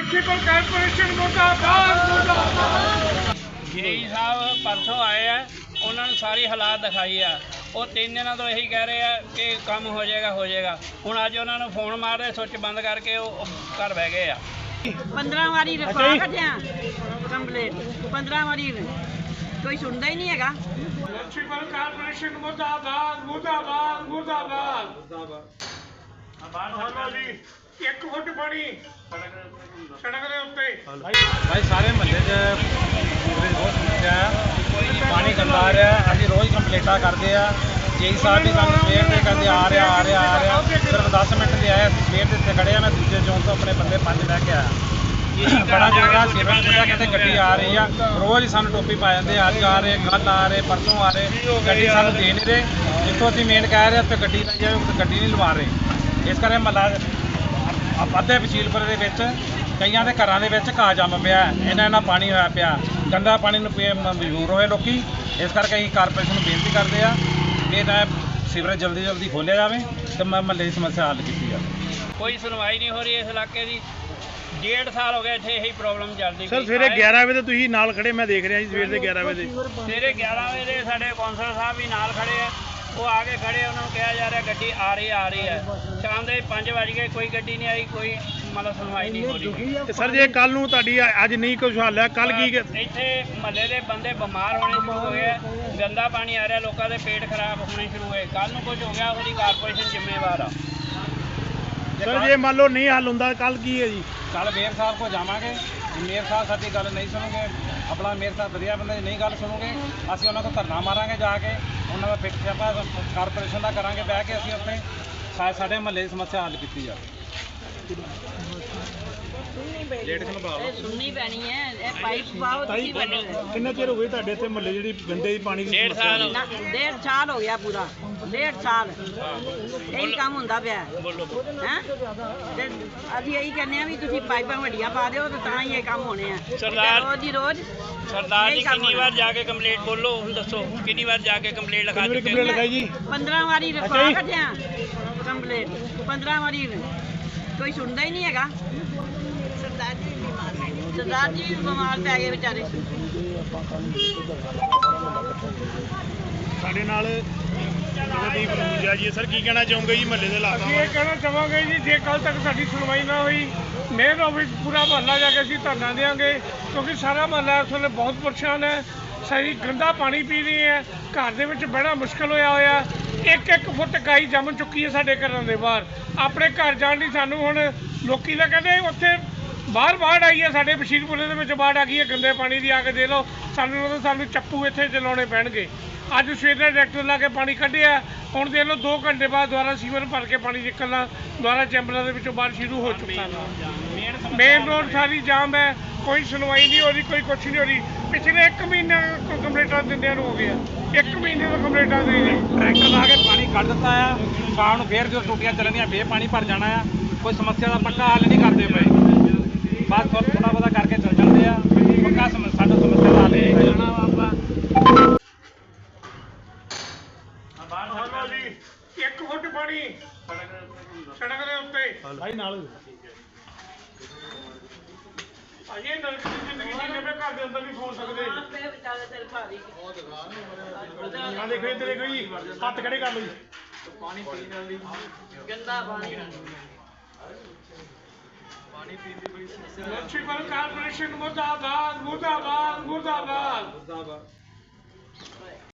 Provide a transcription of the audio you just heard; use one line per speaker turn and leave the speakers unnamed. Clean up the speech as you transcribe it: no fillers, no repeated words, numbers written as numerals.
Municipal corporation मुर्दाबाद मुर्दाबाद।
JEE साहब परसों आए हैं, उन्होंने सारी हालात दिखाई है। वो 3 दिनों तो यही कह रहे हैं कि काम हो जाएगा हूँ अज उन्होंने फोन मार रहे स्विच बंद करके वो घर बह गए
15 वारी रखा कटिया कंप्लेट 15 वारी कोई सुनता ही नहीं है।
म्युनिसिपल कारपोरेशन मुर्दाबाद मुर्दाबाद मुर्दाबाद। जी 1 फुट पानी सड़क के उत्ते
भाई सारे महल्ले च सीवरेज बहुत समस्या है, पानी गंदा आ रहा है। अभी रोज़ कंप्लेंटा करते हैं। जेई साहब भी सानू सवेर से कहते आ रहा सिर्फ 10 मिनट ले आए। सवेर से इतने खड़े हैं, मैं दूसरे चौंक तो अपने बंदे 5 लैके आया। बड़ा जगह सीवरेज पुलिया कहते गड्डी आ रही है, रोज़ ही सानू टोपी पा जाते। अज आ रहे, कल आ रहे, परसों आ रहे, गड्डी सानू दे नहीं रहे। जितों असीं मेन कह रहे उत्थे गड्डी लाई जाए, गड्डी नहीं लवा रहे। इस करके महल्ला ਅੱਧੇ ਵਸੀਲਪੁਰ ਦੇ ਵਿੱਚ ਕਈਆਂ ਦੇ ਘਰਾਂ ਦੇ ਵਿੱਚ ਘਾਹ ਜੰਮ ਪਿਆ, ਇਹਨਾਂ ਪਾਣੀ ਹੋਇਆ ਪਿਆ। ਗੰਦਾ ਪਾਣੀ ਨੂੰ ਮਜਬੂਰ ਹੋਏ ਲੋਕੀ। ਇਸ ਕਰਕੇ ਅਸੀਂ ਕਾਰਪੋਰੇਸ਼ਨ ਨੂੰ ਬੇਨਤੀ ਕਰਦੇ ਆ ਕਿ ਇਹਦਾ ਸੀਵਰੇਜ ਜਲਦੀ ਖੋਲ੍ਹਿਆ ਜਾਵੇ ਤੇ ਮਹੱਲੇ ਦੀ ਸਮੱਸਿਆ ਹੱਲ ਕੀਤੀ ਜਾਵੇ।
कोई सुनवाई नहीं हो रही इस इलाके की। 1.5 साल हो गए इतने यही प्रॉब्लम चलती।
सर सवेरे 11 ਵਜੇ ਤੁਸੀਂ ਨਾਲ ਖੜੇ, ਮੈਂ ਦੇਖ ਰਿਹਾ ਜੀ ਸਵੇਰ ਦੇ 11 ਵਜੇ।
सवेरे 11 बजे साढ़े कौंसल साहब भी नाल खड़े है, वो आगे खड़े उन्होंने कहा जा रहा गड्डी आ रही है। शाम के 5 बज गए, कोई गड्डी नहीं आई, कोई मतलब सुनवाई नहीं हो रही।
ਤੇ ਸਰ ਜੇ ਕੱਲ ਨੂੰ ਤੁਹਾਡੀ ਅੱਜ ਨਹੀਂ ਕੁਝ ਹੱਲ ਹੈ, ਕੱਲ ਕੀ
ਇੱਥੇ ਮਹੱਲੇ ਦੇ ਬੰਦੇ ਬਿਮਾਰ ਹੋਣੇ ਸ਼ੁਰੂ ਹੋ ਗਏ, ਗੰਦਾ ਪਾਣੀ ਆ ਰਿਹਾ, ਲੋਕਾਂ ਦੇ ਪੇਟ ਖਰਾਬ ਹੋਣੇ ਸ਼ੁਰੂ ਹੋਏ। ਕੱਲ ਨੂੰ ਕੁਝ ਹੋ ਗਿਆ ਉਹਦੀ ਕਾਰਪੋਰੇਸ਼ਨ ਜ਼ਿੰਮੇਵਾਰ ਆ।
ਸਰ ਜੇ ਮੰਨ ਲਓ ਨਹੀਂ ਹੱਲ ਹੁੰਦਾ ਕੱਲ ਕੀ ਹੈ ਜੀ?
ਕੱਲ ਮੇਅਰ ਸਾਹਿਬ ਕੋਲ ਜਾਵਾਂਗੇ। ਮੇਅਰ ਸਾਹਿਬ ਸਾਡੀ ਗੱਲ ਨਹੀਂ ਸੁਣੋਗੇ, ਆਪਣਾ ਮੇਅਰ ਸਾਹਿਬ ਵਧੀਆ ਬੰਦੇ ਦੀ ਨਹੀਂ ਗੱਲ ਸੁਣੋਗੇ, ਅਸੀਂ ਉਹਨਾਂ ਕੋਲ ਧਰਨਾ ਮਾਰਾਂਗੇ ਜਾ ਕੇ। ਉਹਨਾਂ ਦਾ ਪਿੱਛੇ ਆਪਾਂ ਕਾਰਪੋਰੇਸ਼ਨ ਦਾ ਕਰਾਂਗੇ ਬਹਿ ਕੇ। ਅਸੀਂ ਉੱਥੇ ਸਾਡੇ ਮਹੱਲੇ ਦੀ ਸਮੱਸਿਆ ਹੱਲ ਕੀਤੀ ਜਾਵੇ।
सुननी पैनी है पाइप पाओ।
ਕਿੰਨਾ ਚਿਰ ਹੋ ਗਿਆ ਤੁਹਾਡੇ ਇੱਥੇ ਮਹੱਲੇ ਜਿਹੜੀ ਗੰਦੇ ਪਾਣੀ ਦੀ
1.5 साल
1.5 साल हो गया पूरा 1.5 साल यही काम ਹੁੰਦਾ ਪਿਆ ਹੈ। ਤੇ ਅਸੀਂ ਇਹੀ ਕਹਿੰਦੇ ਆ ਵੀ ਤੁਸੀਂ ਪਾਈਪਾਂ ਵੱਡੀਆਂ ਪਾ ਦਿਓ ਤੇ ਤਾਂ ਹੀ ਇਹ ਕੰਮ ਹੋਣੇ ਆ।
ਸਰਦਾਰ
ਰੋਜ਼ ਦੀ ਰੋਜ਼
सरदार जी कितनी बार जाके कंप्लेंट बोलो, दसो कितनी बार जाके कंप्लेंट लिखा चुके
ਕੰਪਲੇਂਟ ਲਿਖਾਈ ਜੀ?
15 ਵਾਰੀ ਰਖਵਾ ਕੱਢਿਆ ਕੰਪਲੇਂਟ 15 ਵਾਰੀ ਕੋਈ ਸੁਣਦਾ ਹੀ ਨਹੀਂ ਹੈਗਾ। सरदार जी भी बीमार पै गए बेचारे।
ਸਾਡੇ ਨਾਲ ਜਗਦੀਪ ਰੂਜਾ ਜੀ। ਸਰ ਕੀ ਕਹਿਣਾ ਚਾਹੋਗੇ ਜੀ ਮਹੱਲੇ ਦੇ ਹਾਲਾਤਾਂ
ਅਸੀਂ ਇਹ ਕਹਿਣਾ ਚਾਹਾਂਗੇ ਜੀ, ਜੇ ਕੱਲ ਤੱਕ ਸਾਡੀ ਸੁਣਵਾਈ ਨਾ ਹੋਈ, ਮੇਅਰ ਆਫਿਸ ਪੂਰਾ ਮਹੱਲਾ ਜਾ ਕੇ ਅਸੀਂ ਧਰਨਾ ਦੇਵਾਂਗੇ, ਕਿਉਂਕਿ ਸਾਰਾ ਮਹੱਲਾ ਇਸ ਵੇਲੇ ਬਹੁਤ ਪਰੇਸ਼ਾਨ ਹੈ। ਸਾਰੀ ਗੰਦਾ ਪਾਣੀ ਪੀ ਰਹੇ ਹੈ, ਘਰ ਦੇ ਵਿੱਚ ਬੜਾ ਮੁਸ਼ਕਲ ਹੋਇਆ। 1 ਫੁੱਟ ਕਾਈ ਜੰਮ ਚੁੱਕੀ ਹੈ ਸਾਡੇ ਘਰਾਂ ਦੇ ਬਾਹਰ। ਆਪਣੇ ਘਰ ਜਾਣ ਲਈ ਸਾਨੂੰ ਹੁਣ ਲੋਕੀ ਤਾਂ ਕਹਿੰਦੇ ਉੱਥੇ ਬਾਹਰ ਬਾੜ ਆਈ ਹੈ, ਸਾਡੇ ਬਸ਼ੀਰਪੁਰੇ ਦੇ ਵਿੱਚ ਬਾੜ ਆ ਗਈ ਹੈ ਗੰਦੇ ਪਾਣੀ ਦੀ। ਆ ਕੇ ਦੇ ਲਓ, ਸਾਨੂੰ ਚੱਪੂ ਇੱਥੇ ਚਲਾਉਣੇ ਪੈਣਗੇ। ਅੱਜ ਸਵੇਰ ਦਾ ਡਾਇਰੈਕਟਰ ਲਾ ਕੇ ਪਾਣੀ ਕੱਢਿਆ, ਹੁਣ ਦੇਖ ਲਓ 2 ਘੰਟੇ ਬਾਅਦ ਦੁਬਾਰਾ ਸੀਵਰ ਭਰ ਕੇ ਪਾਣੀ ਨਿਕਲਣਾ ਦੁਬਾਰਾ ਚੈਂਬਰਾਂ ਦੇ ਵਿੱਚੋਂ ਬਾਹਰ ਸ਼ੁਰੂ ਹੋ ਚੁੱਕਾ। ਮੇਨ ਰੋਡ ਸਾਰੀ ਜਾਮ ਹੈ, ਕੋਈ ਸੁਣਵਾਈ ਨਹੀਂ ਹੋ ਰਹੀ, ਕੋਈ ਕੁਛ ਨਹੀਂ ਹੋ ਰਹੀ। ਪਿਛਲੇ 1 ਮਹੀਨੇ ਕੰਪਲੇਂਟਾਂ ਦਿੰਦਿਆਂ ਨੂੰ ਹੋ ਗਿਆ, 1 ਮਹੀਨੇ ਤੋਂ ਕੰਪਲੇਂਟਾਂ ਦੇ
ਟਰੈਕਟਰ ਲਾ ਕੇ ਪਾਣੀ ਕੱਢ ਦਿੱਤਾ ਆ। ਸ਼ਾਮ ਨੂੰ ਫੇਰ ਜਦੋਂ ਟੂਟੀਆਂ ਚੱਲਣੀਆਂ ਫੇਰ ਪਾਣੀ ਭਰ ਜਾਣਾ ਆ। ਕੋਈ ਸਮੱਸਿਆ ਦਾ ਪੱਕਾ ਹੱਲ ਨਹੀਂ ਕਰਦੇ ਪਏ, ਬਸ ਥੋੜਾ ਬਹੁਤਾ ਕਰਕੇ ਚੱਲ ਜਾਂਦੇ ਆ। ਪੱਕਾ ਸਾਡਾ ਸਮੱਸਿਆ ਦਾ ਹੱਲ ਨਹੀਂ ਕਰਨਾ ਆਪਾਂ।
ਜੀ 1 ਫੁੱਟ ਪਾਣੀ ਸੜਕ ਦੇ ਉੱਤੇ
ਭਾਈ ਨਾਲ
ਅਜੇ ਨਰਕ ਦੀ ਜ਼ਿੰਦਗੀ ਜੀਣੇ ਪਏ, ਘਰ ਦੇ ਅੰਦਰ ਨਹੀਂ ਸੌਂ ਸਕਦੇ। ਆ ਦੇਖੋ ਇੱਧਰ ਦੇਖੋ ਜੀ, ਹੱਥ ਖੜੇ ਕਰ ਲਓ ਜੀ।
ਪਾਣੀ ਪੀਣ ਵਾਲੀ ਗੰਦਾ ਪਾਣੀ
म्युनिसिपल कारपोरेशन मुर्दाबाद मुर्दाबाद मुर्दाबाद।